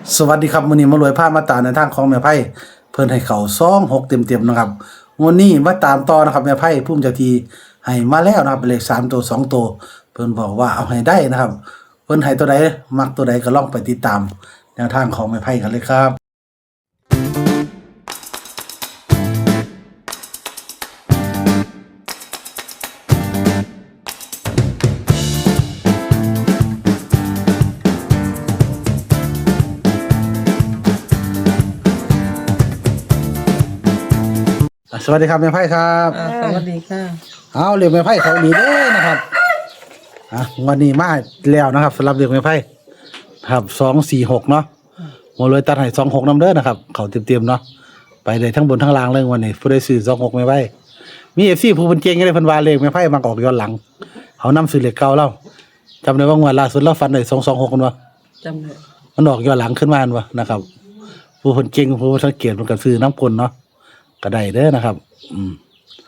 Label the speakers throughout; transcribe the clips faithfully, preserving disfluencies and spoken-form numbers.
Speaker 1: สวัสดีครับมื้อนี้มารวยภาพมาตามในทางของแม่ไพ่เพิ่นให้เข้าสองหกเต็มๆนะครับวันนี้มาตามต่อนะครับแม่ไพ่ภูมิเจ้าที่ให้มาแล้วนะครับเลขสามตัวสองตัวเพิ่นบอกว่าเอาให้ได้นะครับเพิ่นให้ตัวใดมักตัวใดก็ลองไปติดตามแนวทางของแม่ไพ่กันเลยครับสวัสดีครับแม่ไพ่ครับ
Speaker 2: อ่าสวัสดีค่ะ
Speaker 1: เอาเรียกแม่ไพ่เขาดีเด้อนะครับอ่ะวันนี้มาแล้วนะครับสำหรับเรียกแม่ไพ่ครับสองสี่หกเนาะหมดเลยตัดให้สองหกน้ำเด้อนะครับเขาเต็มๆเนาะไปเลยทั้งบนทั้งล่างเลยวันนี้ผู้ได้ซื้อสองหกแม่ไพ่มีเอฟซีผู้เป็นเก่งก็ได้เพิ่นว่าเลขแม่ไพ่มาออกย้อนหลังเขานำซื้อเลขเก่าเล่าจำได้ว่างวดล่าสุดเราฟันได้สองสองหกกันวะ
Speaker 2: จำได้
Speaker 1: มันออกย้อนหลังขึ้นมาอันวะนะครับ ผู้คนเก่งผู้สังเกตมันก็ซื้อน้ำกลเนาะก็ได้เด้อนะครับ อืม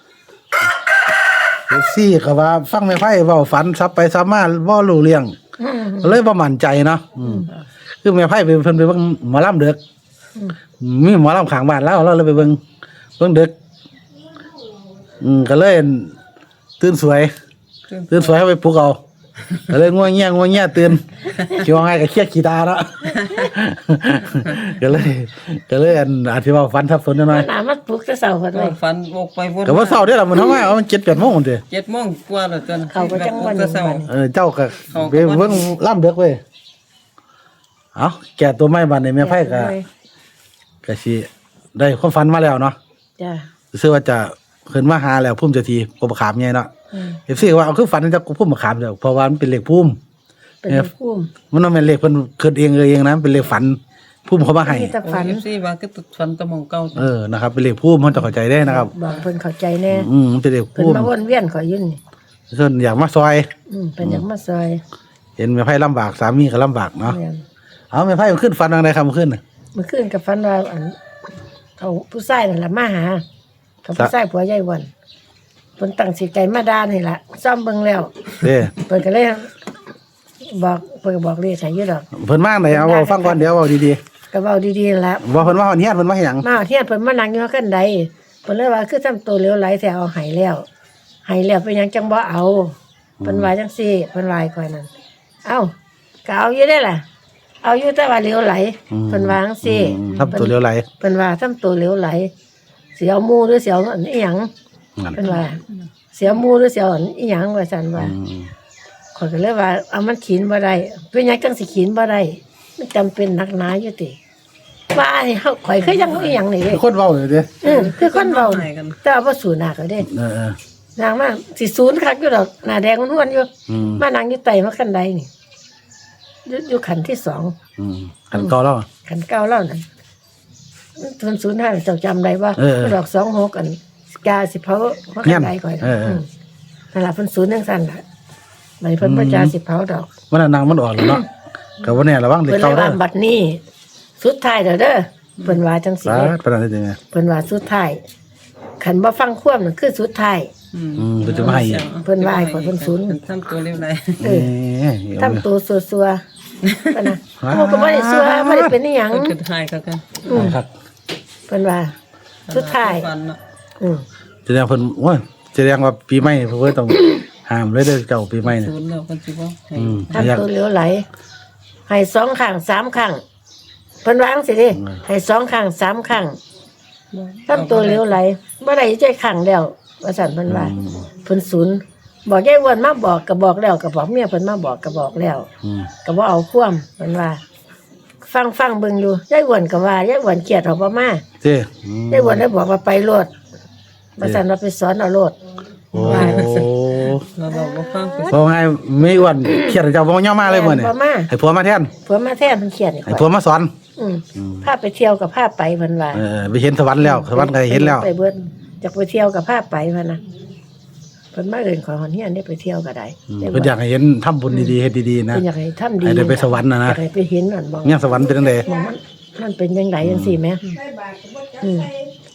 Speaker 1: เอฟซีก็ว่าฟังแม่ไพ่เว้าฝันซับไปซับมาบ่รู้เรื่องเลยบ่มั่นใจเนาะอืมคือแม่ไพ่ไปเพิ่นไปเบิ่งหมอลำเด็กมีหมอลำข้างบ้านแล้วเราเลยไปเบิ่งเบิ่งเด็กอืมก็เลยตื่นสวยตื่นสวยเอาไปปลุกเอาก็เลยง่วงเงี้ยง่วงเงี้ยตื่นคิดว่าไงก็เครียดขี้ตาเนาะก็เลยก็เลยอันอธิบายฟันทับสนหน่อย
Speaker 3: น้ำมันปลุกจะเสาร์กันเลย
Speaker 2: ฟันวกไปวน
Speaker 1: ก็ว่าเศร้าเด้อล่ะมันทำไมเอามันเจ็ดแปดโมงพุ่นเด้
Speaker 2: เจ็ดโมงกว่าแล้วจน
Speaker 3: เขาก็จังวัน
Speaker 2: ก็เศร้า
Speaker 1: เออเจ้าก็ไปเบิ่งล่ำเด็กเว้ยเอาแก่ตัวไม้บานในแม่ไพ่ก็ก็สิได้ความฝันมาแล้วเนาะ
Speaker 3: จ้ะ
Speaker 1: รู้สึกว่าจะขึ้นมาหาแล้วพุ่มเจะทีกบขามใหญ่เนาะ
Speaker 3: อืม
Speaker 1: เอฟซีว่าเอาคือฝันจะพุ่มมะขามเด้อเพราะว่ามันเป็นเลขพุ่ม
Speaker 3: เป็นเลขพุ่ม
Speaker 1: มันบ่แม่นเลขเพิ่นคิดเองเออเองนะเป็นเลขฝันพุ่มเขามาให้
Speaker 3: มีแต่ฝัน
Speaker 2: เอฟซีว่าก็ตุดฟันตะมองเก่า
Speaker 1: เออนะครับเป็นเลขพุ่มเฮาจะเข้าใจได้นะครับ
Speaker 3: บอกเพิ่นเข้าใจแน่
Speaker 1: อืมมันเป็นเลข
Speaker 3: เพิ่น
Speaker 1: พุ่ม
Speaker 3: มาวนเวียนขอยยืนนี่
Speaker 1: ส่วนอยากมาซอย
Speaker 3: อืมเป็นอยากมาซอย
Speaker 1: เห็นแม่ไพ่ลำบากสามีก็ลำบากเนาะ
Speaker 3: แม่น
Speaker 1: เอาแม่ไพ่มันขึ้นฝันทางใดครับมันขึ้นน่ะ
Speaker 3: เมื่อคืนกับฝันว่าอันเขาผู้ชายนั่นล่ะมาหาเขาผู้ชายผัวใหญ่วันเพิ่นตั้งสิใจมาด่านี่ล่ะซ่อมเบิ่งแล้ว
Speaker 1: เด้
Speaker 3: เพิ่นก็เลยบอกเพิ่นก็บอกเลขให้อยู่ดอก
Speaker 1: เพิ่นมาไหนเอาเว้าฟังก่อนเดี๋ยวเว้าดี
Speaker 3: ก็เว้าดีๆล่ะ
Speaker 1: ๆว่าเพิ่นมาฮอดเฮียนเพิ่นมาเฮ็ดหยัง
Speaker 3: มาเที่ยเพิ่นมานั่งอยู่ขั้นใดเพิ่นเลยว่าคือทำตัวเหลวไหลแต่เอาใหายแล้วใหายแล้วเป็นหยังจังบ่เอาเพิ่นว่าจังซี่เพิ่นว่าให้ข่อยนั่นเอ้าก็เอาอยู่ได้ล่ะ เอาอยู่แต่ว่าเหลวไหลเพิ่นว่าจังซี่
Speaker 1: อืมทับตัวเลี้ยวไหล
Speaker 3: เพิ่นว่าทำตัวเหลวไหลเสียวหมู่หรือเสียวอันอีหยัง
Speaker 1: นั่น
Speaker 3: เพิ่นว่าเสียวหมู่หรือเสียวอันอีหยังว่าซั่นว่า
Speaker 1: อืม
Speaker 3: ข่อยก็เลยว่าเอามันขีนบ่ได้เป็นหยังจังสิขีนบ่ได้มันจำเป็นนักหนาอยู่ติว่านี่เฮาข่อยคือยังอีหยังนี่เด้
Speaker 1: คนเว้าอยู่เด้
Speaker 3: เออคือคนเบาแต่ว่าบ่สูหนักเลยเด้
Speaker 1: เออ
Speaker 3: นางมาสิศูนย์คักอยู่ดอกหน้าแดงนวลๆอยู่
Speaker 1: ๆอืม
Speaker 3: มานางอยู่ไตมาคันใดนี่อยู่อยู่ขันที่สอง
Speaker 1: อืมคันเก่าแล้ว
Speaker 3: ขันเก้าแล้วนั่นทุนศูนย์ห้าเจ้าจำได้ว่า
Speaker 1: เออ
Speaker 3: ดอกสองหกอันกาสิเผามาคันใดก่อน
Speaker 1: เออเออ
Speaker 3: มนั่นล่ะเพิ่นศูนย์จังซั่นล่ะบัดนี้เพิ่นบ่จาสิเผาดอก
Speaker 1: มันนะนางมันออกแล้วเนาะก็บ่แน่ระวังเด็ก
Speaker 3: เพิ่นเล
Speaker 1: เก่าย เด้
Speaker 3: ว่า
Speaker 1: อ
Speaker 3: บัดนี้ สุดท้ายเด้อเด้อเพิ่นว่าจังซี่
Speaker 1: สา
Speaker 3: เด้
Speaker 1: ธุปานนั้นได้จังไง
Speaker 3: เพิ่นว่าสุดท้ายคันบ่ฟังความนั่นคือสุดท้าย
Speaker 1: อืมเพิ่นจะมาให้อีก
Speaker 3: เพิ่นว่าให้ข่อยเพิ่นศูนย์
Speaker 2: ทำตัวเร็วไร
Speaker 3: เออ
Speaker 1: เอ้ย
Speaker 3: ทำตัวซัวๆปะนะโอ้ก็บ่ได้ซัวบ่ได้เป็นอีหยัง
Speaker 2: มันคือหายกันกัน
Speaker 3: อืม
Speaker 1: ครับ
Speaker 3: เพิ่นว่าสุดท้าย
Speaker 2: ฟันเนาะ
Speaker 3: อืม
Speaker 1: แสดงเพิ่นโอ้ยแสดงว่าปีใหม่เพิ่นต้องห้ามเลยเด้อเจ้าปีใหม่เนี่ย
Speaker 2: ศูนย์แล้วคนสิบ่ให้
Speaker 1: อืม
Speaker 3: ทำ
Speaker 1: อยาก
Speaker 3: ตัวเหลวไหล ให้สองข้างสามข้างเพิ่นวาจั่งสิเด้ให้สองข้างสามข้างทำตัวเหลวไหลบ่ได้ใจข้างแล้วว่าซั่นเพิ่นว่าเพิ่นศูนย์บอกยายอ้วนมาบอกก็บอกแล้วก็บอกเมียเพิ่นมาบอกก็บอกแล้ว
Speaker 1: อืม
Speaker 3: ก็บ่เอาความเพิ่นว่า ฟังฟังเบิ่งดูยายอ้วนก็ว่ายายอ้วนเครียดเอาบ่มา
Speaker 1: เจ้อืม
Speaker 3: ยายอ้วนได้บอกว่าไปโลดมาสั่นว่าไปสอนเอาโลด
Speaker 1: โอ้
Speaker 2: เราบอกว่าฟังไป
Speaker 1: บ่ไงไม่อ้วนเครียดเจ้าบ่ยอมมาเลยมื้อนี้
Speaker 3: บ่มา
Speaker 1: ให้ผัวมาแทน
Speaker 3: ผัวมาแทนเพิ่นเครียดนี่
Speaker 1: ให้ผัวมาสอน
Speaker 3: อืมพาไปเที่ยวกับพาไปเพิ่นว่า
Speaker 1: เออไปเห็นสวรรค์แล้วสวรรค์ก็เห็นแล้ว
Speaker 3: ไปเบิดอยากไปเที่ยวกับพาไปเพิ่นน่ะเพิ่นมาเอิ้นขอหอนเฮียนได้ไปเที่ยวก็ได้
Speaker 1: อืมเพิ่นอยากให้เห็นทำบุญดีๆเฮ็ดดีๆนะ
Speaker 3: เพิ่นอยากให้ทำดี
Speaker 1: ให้ได้ไปสวรรค์น่ะนะ
Speaker 3: อยากให้ไปเห็นนั่นบ่
Speaker 1: เนี่ยสวรรค์เป็นจังได๋
Speaker 3: มันมันเป็นจังไดจังซี่แหมอืม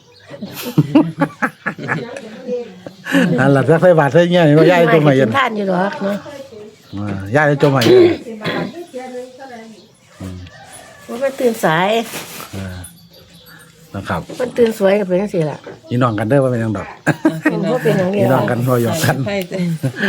Speaker 1: นั่นล่ะถ้าใส่บาตรใส่เงี้ยว่ายายจมให้
Speaker 3: กิ
Speaker 1: ยั
Speaker 3: น
Speaker 1: น
Speaker 3: ทานอยู่ดอกเนาะ
Speaker 1: อ่ายายจมให้
Speaker 3: โอ้มันก็ตื่นสาย
Speaker 1: เออนะครับ
Speaker 3: มันตื่นสวยก็เป็นจังซี่ล่ะ
Speaker 1: พี่น้องกันเด้อว่าเป็นหยังดอก
Speaker 3: มันบ่เป็นหยังเดี
Speaker 1: พี่
Speaker 3: ยว
Speaker 1: น้องกันบ่หยอกกัน
Speaker 2: ไพ่เด้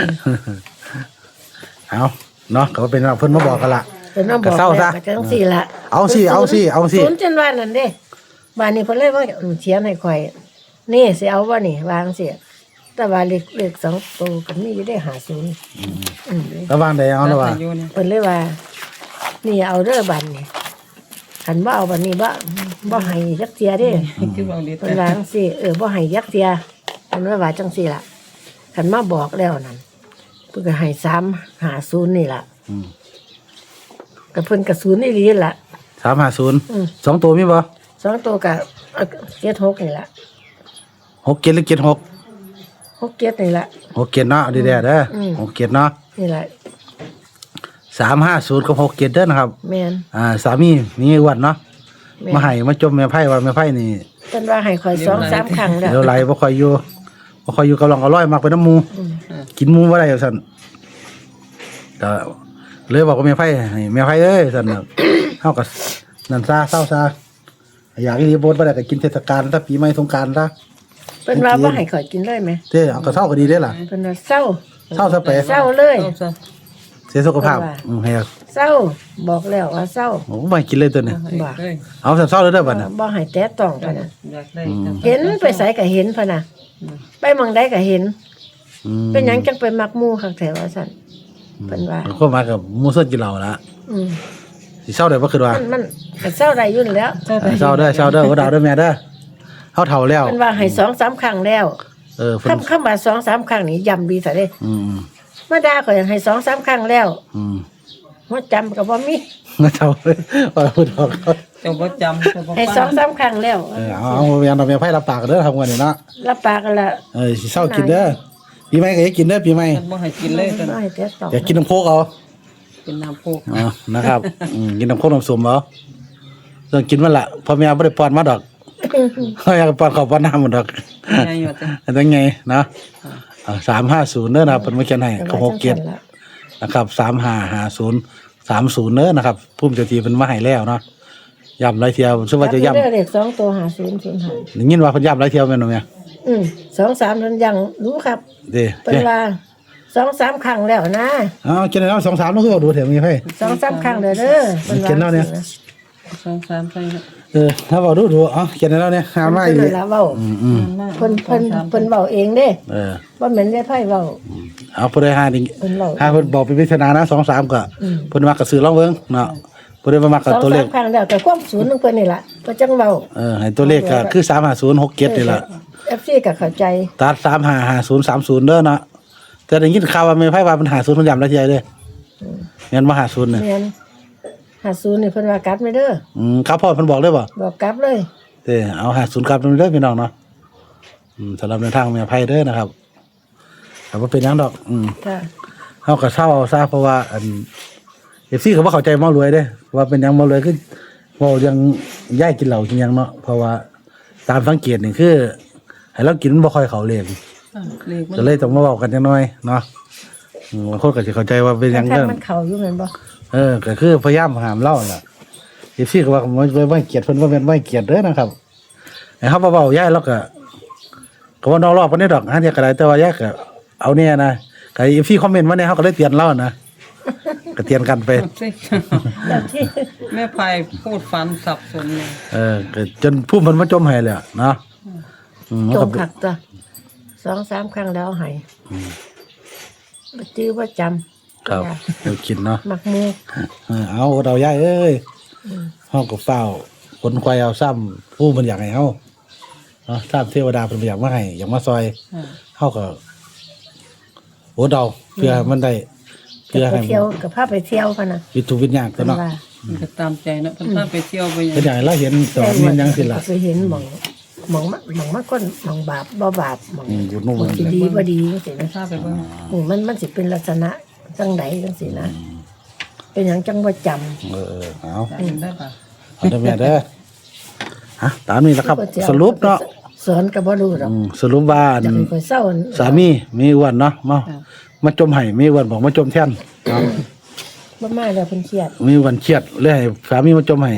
Speaker 1: เอาเนาะก็เป็นว่าเพิ่นมาบอกกันละ
Speaker 3: เพิ่นมาบ
Speaker 1: ก็
Speaker 3: อก
Speaker 1: เศร้าซะ
Speaker 3: แล้วก็จังซี่ล่ะ
Speaker 1: เอาสิเอาสิเอาสิ
Speaker 3: ศูนย์จนว่านั่นเด้บ้านนี้เพิ่นเลยว่าอืมเขียนให้ข่อยนี่สิเอาบ่นี่วางสิแต่ว่าเลขเลขสองตัวก็มีอยู่ได้ห้าศูนย์อืม
Speaker 1: ระหว่างใดเอาละว่า
Speaker 2: อยู่เนี่ย
Speaker 3: เพิ่นเลยว่า นี่เอาเด้อบัดนี่คันบ่เอาบัดนี้บ่บ่ให้จักเทียเด้
Speaker 2: คือเอาดี
Speaker 3: เพิ่นว่าจังซี่เออบ่ให้จักเทียเพิ่นว่าว่าจังซี่ล่ะคันมาบอกแล้วนั่นเพิ่นก็ให้สามห้าศูนย์นี่ล่ะ
Speaker 1: อืม
Speaker 3: ก็เพิ่นก็ศูนย์อีหลีล่ะ
Speaker 1: สามห้าศูนย์
Speaker 3: อืม
Speaker 1: สองตัวมีบ่
Speaker 3: สองตัวก็เอาเจ็ดหกนี่ล่ะ
Speaker 1: หกเจ็ดหรือเจ็ดหก
Speaker 3: หกเจ็ดนี่ล่ะ
Speaker 1: หกเจ็ดเนาะเอาดีๆเด้ออ
Speaker 3: ม
Speaker 1: หกเจ็ดเนาะ
Speaker 3: นี่ล่ะ
Speaker 1: สามห้าศูนย์กับหกเจ็ดเด้อนะครับ
Speaker 3: แม่น
Speaker 1: อ่าสามีมีอ้วนเนาะ
Speaker 3: แม่น
Speaker 1: มาให้มาจมแม่ไพ่ว่าแม่ไพ่นี่
Speaker 3: เพิ่นว่าให้ข่อยสองสามครั้งแล้ว
Speaker 1: เดี๋ยวไหลบ่ค่อยอยู่บ่ค่อยอยู่กำลังอร่อยมากเป็นน้ำหมู
Speaker 3: อืม
Speaker 1: กินหมูบ่ได้สั่นก็เลยบอกว่าแม่ไพ่ให้แม่ไพ่เอ้ยสั่นน่ะ เฮาก็นั่นซะเศร้าซะอยากอีหลีบ่บ่ได้ก็กินเทศกาลซะปีใหม่สงกรานต์ซะ
Speaker 3: เพิ่นว่าบ่ให้ข่อยกินเลยไหม
Speaker 1: เด้เอาก็เศร้าก็ดีเด้ล่ะ
Speaker 3: เพิ่นว่าเศร้า
Speaker 1: เศร้าซะไป
Speaker 3: เศร้าเลย
Speaker 2: เอาซะ
Speaker 1: เสียสุขภาพ
Speaker 3: ว่า
Speaker 1: อืมให้
Speaker 3: เศร้าบอกแล้วว่าเศร้า
Speaker 1: โอ้บ่ให้กินเลยตัวนี้
Speaker 2: เอาให้เลย
Speaker 1: เอาซะเศร้าเลยเด้อบัดน่ะ
Speaker 3: บ่ให้แตะต้องพะนะ
Speaker 2: อยากได้จัง
Speaker 3: เห็นไปไสก็เห็นพะนะไปหม่องใดก็เห็น
Speaker 1: อืม
Speaker 3: เป็นหยังจังไปมักหมู่คักแท้ว่าซั่นเพิ่นว่า
Speaker 1: ก็มากับหมูสดกินเหล้าละ
Speaker 3: อืม
Speaker 1: สิเศร้าได้บ่คือว่า
Speaker 3: มันมันก็เศร้าได้อยู่นั่นแหล้ว
Speaker 2: เจ้า
Speaker 1: เออเศร้าเด้อเศร้าเด้อบ่ดาวเด้อแม่เด้อเฮาเฒ่าแล้ว
Speaker 3: เพิ่นว่าให้สองสามครั้งแล้ว
Speaker 1: เออเพิ่น
Speaker 3: คำคำว่าสองสามครั้งนี่ย้ำดีซะเด้
Speaker 1: อืม
Speaker 3: มาด่าข่อยให้สองสามครั้งแล้ว
Speaker 1: อืม
Speaker 3: บ่จำก็บ่มี
Speaker 1: นะเฒ่าเลยว่าพูดออกเขา
Speaker 2: เจ้าบ่จำเจ้าบ่
Speaker 3: ให้
Speaker 2: ฟั
Speaker 3: สองสามครั้งแล้ว
Speaker 1: เออเอาเอาแม่นเอาแม่ไผรับปากเด้อทำกันนี่เนาะ
Speaker 3: รับปากกันละ
Speaker 1: เออสิเศร้ากินเด้อปีใหม่ก็อย่ากินเด้อปีใหม่
Speaker 2: มันบ่ให้กินเลยตอน
Speaker 3: บ่ให้แตะต้อง
Speaker 1: อย่ากินน้ำโคกเอา
Speaker 2: เป็นน้ำโพก
Speaker 1: อ๋อนะครับอืมกินน้ำโคกน้ำส้มเอาเรื่องกินมันละพ่อแม่บ่ได้ป้อนมาดอกเฮาอยากป้อนข้าวป้อนน้ำหมดดอก
Speaker 2: ง่ายอยู่จ้ะ
Speaker 1: อันนั้นไงเนาะอ่าสามห้าศูนย์เด้อนะครับเพิ่นมาเขียนให้ก็หกเจ็ด นะครับสามห้าห้าศูนย์สามศูนย์เนอะนะครับพุ่มเจ้าทีเป็นมาให้แล้วเนาะย้ำหลายเที่ยวซึ่งว่าจะย้
Speaker 3: เด็กสองตัวหาศูนย์ศูนย์หา
Speaker 1: ำได้ยินว่าเพิ่นย้ำหลายเที่ยวแม่นบ่แม่
Speaker 3: อืมสองสามทันยังรู้ครับ
Speaker 1: เด้
Speaker 3: เป็น
Speaker 1: เด้
Speaker 3: ว่าสองสามครั้งแล้วนะ
Speaker 1: อ้าวเขียนแล้วสองสามมันคือว่าดูแถวมีไผ
Speaker 3: สองสามครั้งเด้อเด้อพิ่
Speaker 1: เขียนแล้วเนี่ย
Speaker 2: สองสามใส่ครับ
Speaker 1: เออถ้าเว้าดูดูเอ๋อเขียนแล้วเนี่ยหามา
Speaker 3: เพิ่
Speaker 1: อี
Speaker 3: น
Speaker 1: ก
Speaker 3: เลยละเว้า
Speaker 1: อืมอืม
Speaker 3: เพิ่นเพิ่นเพิ่นเว้าเองเด้
Speaker 1: เออ
Speaker 3: ว่าเหมือนได้ไผเว้า
Speaker 1: เอาผู้ใดหานี่
Speaker 3: เพิ่นเว้า
Speaker 1: หาเพิ่นบอกเป็นวิทนานะสองสามก็
Speaker 3: อืม
Speaker 1: เพิ่นมักก็ซื้อลองเบิ่งเนาะผู้ใดบ่มัก
Speaker 3: ส
Speaker 1: ก็
Speaker 3: อง
Speaker 1: ตัวเล
Speaker 3: สา
Speaker 1: ข
Speaker 3: มครั้งแล้วแต่ความศูนย์ของเพิ่นนี่ล่ะเพิ่นจังเว้า
Speaker 1: เออให้ตัวเลขก็คือสามห้าศูนย์หกเจ็ดนี่ล่ะ
Speaker 3: เอฟซีก็เข้าใจ
Speaker 1: ตัดสามห้าห้าศูนย์สามศูนย์เด้อเนาะแต่ได้ยินข่าวว่าแม่ไผว่ามันหาศูนย์เพิ่นย้ำหลายเที่ยเด้อแม่นบ่หาศูนย์เนี่ย
Speaker 3: แม่นหาศูนย์นี่เพิ่นว่ากลับไม่เด้อ
Speaker 1: อืมครับพ่อเพิ่นบอกเลยบ่
Speaker 3: บอกกลับเลย
Speaker 1: เด้อเอาหาศูนย์กลับเด้อพี่น้องเนาะอืมสำหรับในทางแม่ไผเด้อนะครับแต่ว่าเป็นหยังดอก อืม
Speaker 3: ค่ะ
Speaker 1: เฮาก็เศร้าเอาซะเพราะว่าอัน เอฟ ซี ก็บ่เข้าใจหมอรวยเด้ว่าเป็นหยังหมอรวยคือเว้าเรื่องย้ายกินเหล้ากินหยังเนาะเพราะว่าตามสังเกตนี่คือให้เรากินมันบ่ค่อยเข้าเลข
Speaker 2: อ่าเลขมัน
Speaker 1: ก็เลยต้องมาเว้ากันจังหน่อยเนาะอืมบางคนก็สิเข้าใจว่าเป็นหยัง
Speaker 3: ทา
Speaker 1: เด้
Speaker 3: ง
Speaker 1: อ
Speaker 3: มันเข้าอยู่แม่นบ่
Speaker 1: เออก็คือพยายามห้ามเล่าน่ะเอฟซีก็ว่าบ่บ่บ่ให้เกียรติเพิ่นว่าแม่นบ่ให้เกียรติเด้อนะครับให้เฮาบ่เว้าย้ายแล้วก็ก็ว่านอกรอบปานนี้ดอกหาเที่ยก็ได้แต่ว่าย้ายก็เอาแน่นะก็ เอฟ ซี คอมเมนต์มาเนี่ยเฮาก็เลยเตือนเล่านะก็เตือนกันไป
Speaker 2: สิ
Speaker 3: แบบที่
Speaker 2: แม่พายพูดฟันสับสนเลย
Speaker 1: เออก็จนผู้มันมาจมให้เลยอะเนาะอืมมัน
Speaker 3: จ
Speaker 1: ก็
Speaker 3: งคักตัวสองสามครั้งแล้วให้บ่จื้อบ่จำ
Speaker 1: ครับเดี๋ยวกินเนาะ
Speaker 3: มักหมู
Speaker 1: เออเอาเราย้ายเอ้ยเฮาก็เฝ้าคนควายเอาซ้ำผู้มันอยากให้เฮาเนาะซ้ำเทวดาเพิ่นบ่อยากมาให้อยากมาซอย
Speaker 2: อ่า
Speaker 1: เฮาก็โอ้เดาเพื่อให้มันได้
Speaker 3: จะ
Speaker 1: เพื่อ
Speaker 3: ไป
Speaker 1: ให้
Speaker 3: เที่ยวกับพาไปเที่ยวพะนะ
Speaker 1: วิถีวิญญาณตัว
Speaker 3: เพิ่น
Speaker 1: เนาะ
Speaker 3: ว่า
Speaker 2: มันก็ตามใจเนาะเพิ่นพาไปเที่ยวไปหยั
Speaker 1: เป็น
Speaker 2: ง
Speaker 1: อย่างไรเราเห็นสอนมันยังสิล่ะ
Speaker 3: ไปเห็นหม่องหม่องมาหม่องมาคนหม่องบาปบ่บาปหม่อง
Speaker 1: อืมอยู่นู่น
Speaker 3: หม่องสิดีบ่ดีจังซี่นะ
Speaker 2: พาไปเบิ่ง
Speaker 3: หมู่มันมันสิเป็นลักษณะจังไดจังซี่นะเป็นหยังจังบ่จำ
Speaker 1: เออเออเอา
Speaker 2: จำได้ปะ
Speaker 1: เอาเด้อแม่เด้อฮะตามนี้แหละครับ สรุปเนาะ
Speaker 3: สอนก็บ่รู้ดอก
Speaker 1: อืมสรุปว่าอัน
Speaker 3: จะให้ข่อยเศร้า
Speaker 1: สามีมีอ้วนเนาะมามาจมไห้มีอ้วนบอกมาจมแท่นเนาะ
Speaker 3: บ่มาแล้วเพิ่นเครียด
Speaker 1: มีอ้วนเครียดเลยให้สามีมาจมไห้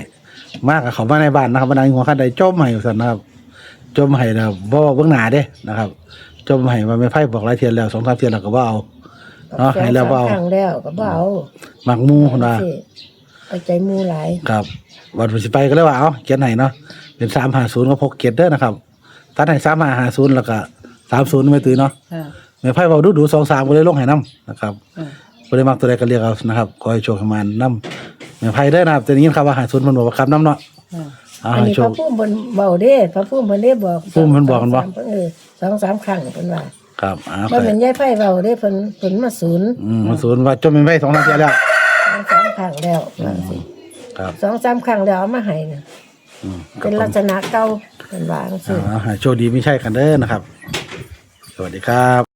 Speaker 1: มากกับเขามาในบ้านนะครับบรรดาหัวขั้นใดจมให้สั่นนะครับจมให้นะครับบ่เบื้องหน้าเด้นะครับจมให้ว่าไม่ไพ่บอกหลายเทียนแล้วสองสามเทียนแล้วก็บ่เอาเนาะให้แล้วบ่เอา
Speaker 3: ครั้งแล้วก็บ่เอา
Speaker 1: หมักหมูคนว่า
Speaker 3: เอาใจหมูหลาย
Speaker 1: ครับวันสิไปก็เลยว่าเอาเขียนให้เนาะเป็นสามห้าศูนย์กับหกเกียรติเด้อนะครับตัดให้สามห้าห้าศูนย์แล้วก็สามศูนย์ไม่ตื่นเนาะ
Speaker 2: ค่ะ
Speaker 1: ไม่ไพ่เบาดูดูสองสามก็เลยลงให้น้ำนะครับ
Speaker 2: ค่ะ
Speaker 1: ก็เลยมักตัวใดก็เรียกเอานะครับขอให้โชคให้มันน้ำไม่ไพ่ได้อนะครับแต่นี้ครับว่าหาศูนย์มันบอกว่าคำน้ำเนาะ
Speaker 2: ค่ะ
Speaker 1: เอา
Speaker 3: อัน
Speaker 1: ให้
Speaker 3: นี้
Speaker 1: โช
Speaker 3: พ
Speaker 1: ค
Speaker 3: ระพุ่มเพิ่นเบาเด้พระพุ่มเพิ่นได้บอก
Speaker 1: พุ่มเพิ่นบอกกันบ่
Speaker 3: สงสามเออสองสามครั้งเพิ่นว่า
Speaker 1: ครับอ่า
Speaker 3: บ่เป็นยายไผเบาเด้เพิ่นเพิ่นมาศูนย์
Speaker 1: อืมศูนย์ว่าจมไม่ไพ่สองสามเทียแล้ว
Speaker 3: สองสามครั้งแล้วว่าสิ
Speaker 1: ครับ
Speaker 3: สองสามครั้งแล้วเอามาให้น่ะ
Speaker 1: อืม
Speaker 3: เป็นลักษณะเก่าเพิ่นว่าจังซี่
Speaker 1: อ่าให้โชคดีไม่ใช่กันเด้อนะครับ สวัสดีครับ